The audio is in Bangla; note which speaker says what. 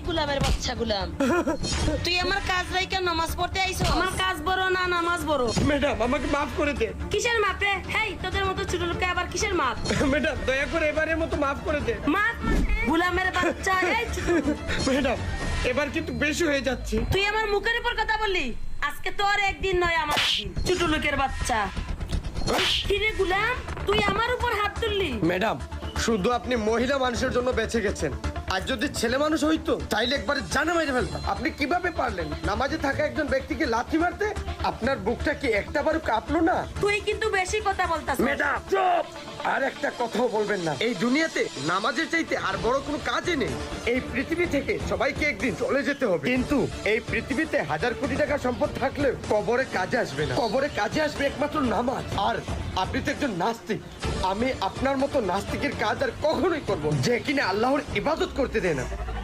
Speaker 1: গোলামের বাচ্চা গোলাম, তুই আমার কাজ রাইকা নামাজ পড়তে আইছো? আমার কাজ বড় না নামাজ বড়?
Speaker 2: ম্যাডাম আমাকে মাফ করে দেন।
Speaker 1: কিসের মাপ রে? হেই, তোদের মতো ছোট লোককে আবার কিসের মাপ?
Speaker 2: ম্যাডাম দয়া করে এবারের মতো মাফ করে দেন।
Speaker 1: মাপ মানে? গোলামের বাচ্চা, এই ছোট লোক।
Speaker 2: ম্যাডাম এবার কিন্তু বেশি হয়ে যাচ্ছে।
Speaker 1: তুই আমার মুখের উপর কথা বললি? আজকে তোর একদিন নয় আমার একদিন, ছোট লোকের বাচ্চা। কিরে গোলাম, তুই আমার উপর হাত তুললি?
Speaker 2: ম্যাডাম শুধু আপনি মহিলা মানুষের জন্য বেঁচে গেছেন, আর যদি ছেলে মানুষ হইতো তাইলে একবারে জানা মেরে ফেলতাম। আপনি কিভাবে পারলেন নামাজে থাকা একজন ব্যক্তিকে লাথি মারতে? আপনার বুকটা কি একটাবারও কাঁপলো না?
Speaker 1: তুই কিন্তু বেশি কথা বলতাস।
Speaker 2: ম্যাডাম চুপ! আর একটা কথাও বলবেন না। এই দুনিয়াতে নামাজের চাইতে আর বড় কোনো কাজই নেই। এই পৃথিবী থেকে সবাইকে একদিন চলে যেতে হবে, কিন্তু এই পৃথিবীতে হাজার কোটি টাকা সম্পদ থাকলেও কবরে কাজে আসবে না। কবরে কাজে আসবে একমাত্র নামাজ। আর আপনি তো একজন নাস্তিক, আমি আপনার মতো নাস্তিকের কাজ আর কখনোই করবো যে কিনা আল্লাহর ইবাদত করতে দেয় না।